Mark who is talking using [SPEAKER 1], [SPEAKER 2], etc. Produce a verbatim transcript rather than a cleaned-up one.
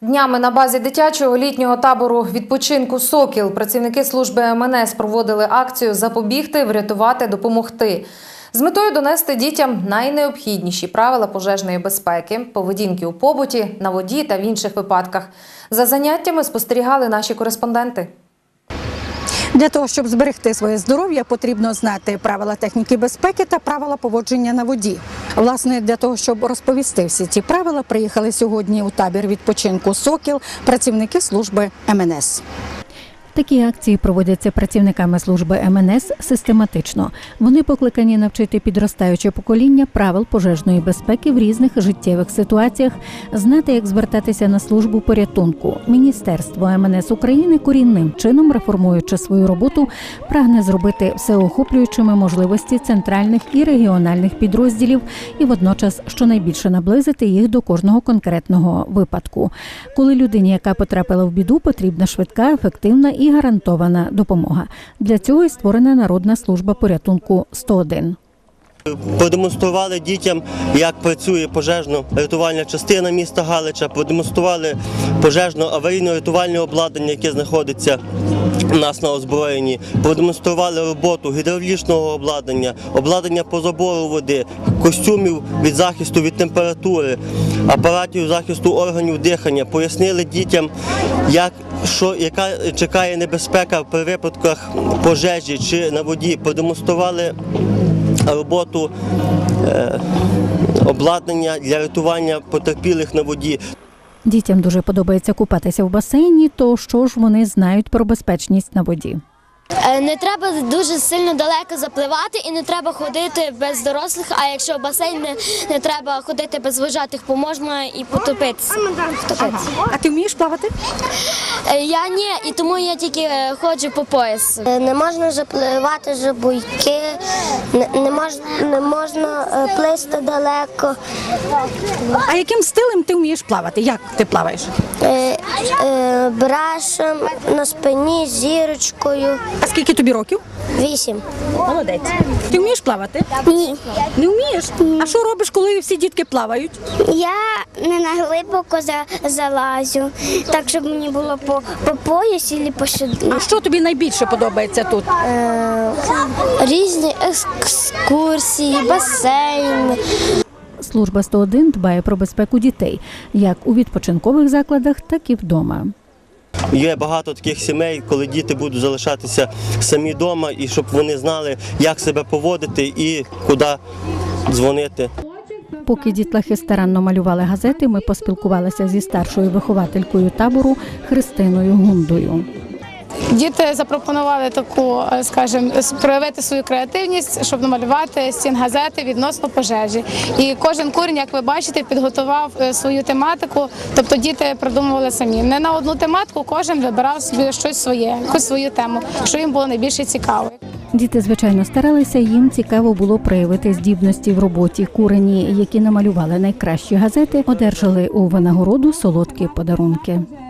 [SPEAKER 1] Днями на базі дитячого літнього табору відпочинку «Сокіл» працівники служби ем ен ес проводили акцію «Запобігти, врятувати, допомогти». З метою донести дітям найнеобхідніші правила пожежної безпеки, поведінки у побуті, на воді та в інших випадках. За заняттями спостерігали наші кореспонденти.
[SPEAKER 2] Для того, щоб зберегти своє здоров'я, потрібно знати правила техніки безпеки та правила поводження на воді. Власне, для того, щоб розповісти всі ці правила, приїхали сьогодні у табір відпочинку «Сокіл» працівники служби ем ен ес.
[SPEAKER 3] Такі акції проводяться працівниками служби ем ен ес систематично. Вони покликані навчити підростаюче покоління правил пожежної безпеки в різних життєвих ситуаціях, знати, як звертатися на службу порятунку. Міністерство ем ен ес України, корінним чином реформуючи свою роботу, прагне зробити всеохоплюючими можливості центральних і регіональних підрозділів і водночас щонайбільше наблизити їх до кожного конкретного випадку. Коли людині, яка потрапила в біду, потрібна швидка, ефективна і і гарантована допомога. Для цього і створена Народна служба порятунку сто один.
[SPEAKER 4] Продемонстрували дітям, як працює пожежно-рятувальна частина міста Галича, продемонстрували пожежно-аварійно-рятувальне обладнання, яке знаходиться у нас на озброєнні, продемонстрували роботу гідравлічного обладнання, обладнання по забору води, костюмів від захисту від температури, апаратів захисту органів дихання, пояснили дітям, як, що, яка чекає небезпека при випадках пожежі чи на воді, продемонстрували роботу е, обладнання для рятування потерпілих на воді.
[SPEAKER 3] Дітям дуже подобається купатися в басейні, то що ж вони знають про безпечність на воді?
[SPEAKER 5] Не треба дуже сильно далеко запливати і не треба ходити без дорослих, а якщо в басейн не, не треба ходити без вожатих, бо можна і потопитися. Втопитися.
[SPEAKER 2] А ти вмієш плавати?
[SPEAKER 5] Я ні, і тому я тільки ходжу по пояс.
[SPEAKER 6] Не можна запливати за буйки, не, не, можна, не можна плисти далеко.
[SPEAKER 2] А яким стилем ти вмієш плавати? Як ти плаваєш?
[SPEAKER 6] Е, е, брашем, на спині, зірочкою.
[SPEAKER 2] А скільки тобі років?
[SPEAKER 6] Вісім.
[SPEAKER 2] Молодець. Ти вмієш плавати?
[SPEAKER 6] Ні.
[SPEAKER 2] Не вмієш? А що робиш, коли всі дітки плавають?
[SPEAKER 6] Я не на глибоко за, залазю, так, щоб мені було по, по пояс або по сюди.
[SPEAKER 2] А що тобі найбільше подобається тут?
[SPEAKER 6] Е, різні екскурсії, басейн.
[SPEAKER 3] Служба сто один дбає про безпеку дітей, як у відпочинкових закладах, так і вдома.
[SPEAKER 4] Є багато таких сімей, коли діти будуть залишатися самі вдома, і щоб вони знали, як себе поводити і куди дзвонити.
[SPEAKER 3] Поки дітлахи старанно малювали газети, ми поспілкувалися зі старшою вихователькою табору Христиною Гундою.
[SPEAKER 7] Діти запропонували таку, скажімо, проявити свою креативність, щоб намалювати стінгазети відносно пожежі. І кожен курень, як ви бачите, підготував свою тематику, тобто діти придумували самі. Не на одну тематику, кожен вибирав собі щось своє, якусь свою тему, що їм було найбільше цікаво.
[SPEAKER 3] Діти, звичайно, старалися, їм цікаво було проявити здібності в роботі. Курені, які намалювали найкращі газети, одержали у винагороду солодкі подарунки.